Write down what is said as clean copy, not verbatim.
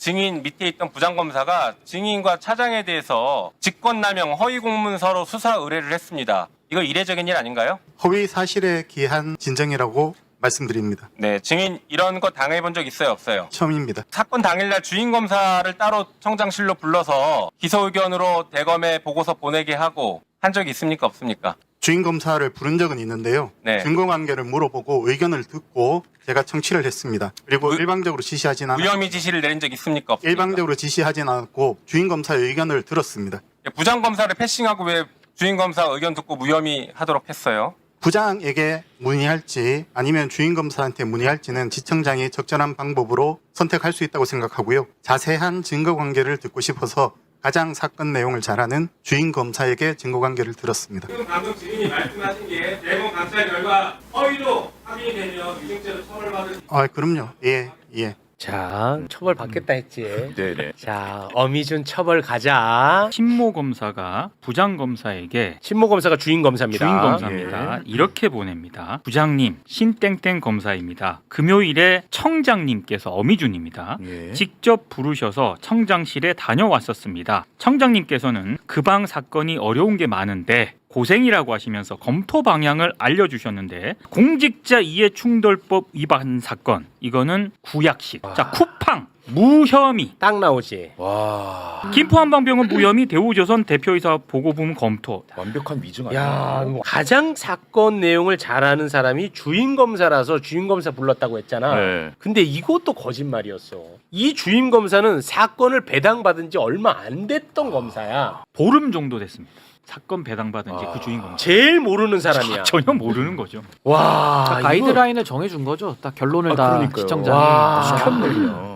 증인 밑에 있던 부장검사가 증인과 차장에 대해서 직권남용 허위 공문서로 수사 의뢰를 했습니다. 이거 이례적인 일 아닌가요? 허위 사실에 기한 진정이라고 말씀드립니다. 네, 증인 이런 거 당해본 적 있어요, 없어요? 처음입니다. 사건 당일날 주인검사를 따로 청장실로 불러서 기소 의견으로 대검에 보고서 보내게 하고 한 적이 있습니까, 없습니까? 주인검사를 부른 적은 있는데요. 네. 증거관계를 물어보고 의견을 듣고 제가 청취를 했습니다. 그리고 일방적으로 지시하진 않았고 무혐의 지시를 내린 적 있습니까, 없습니까? 일방적으로 지시하진 않았고 주인검사의 의견을 들었습니다. 부장검사를 패싱하고 왜 주인검사 의견 듣고 무혐의 하도록 했어요? 부장에게 문의할지 아니면 주인검사한테 문의할지는 지청장이 적절한 방법으로 선택할 수 있다고 생각하고요. 자세한 증거관계를 듣고 싶어서 가장 사건 내용을 잘 아는 주인검사에게 증거관계를 들었습니다. 지금 방금 증인이 말씀하신 게 대검 감찰 결과 허위로 확인이 되면 위증죄로 처벌받을 그럼요. 예. 자, 처벌 받겠다 했지. 네네. 자, 어미준 처벌 가자. 신모 검사가 부장 검사에게 신모 검사가 주인 검사입니다. 주인 검사입니다. 이렇게 보냅니다. 부장님, 신땡땡 검사입니다. 금요일에 청장님께서 어미준입니다. 예. 직접 부르셔서 청장실에 다녀왔었습니다. 청장님께서는 그 방 사건이 어려운 게 많은데 고생이라고 하시면서 검토 방향을 알려주셨는데 공직자 이해충돌법 위반 사건 이거는 구약식. 자, 쿠팡 무혐의. 딱 나오지. 와, 김포한방병원 무혐의 대우조선 대표이사 보고부문 검토. 완벽한 위증 야, 아니야? 가장 사건 내용을 잘 아는 사람이 주인 검사라서 주인 검사 불렀다고 했잖아. 네. 근데 이것도 거짓말이었어. 이 주인 검사는 사건을 배당받은 지 얼마 안 됐던 검사야. 보름 정도 됐습니다. 사건 배당받은 지 그 주인 검사. 제일 모르는 사람이야. 전혀 모르는 거죠. 와, 가이드라인을 정해준 거죠. 딱 결론을 다 그러니까요. 시청장이 와. 시켰네요.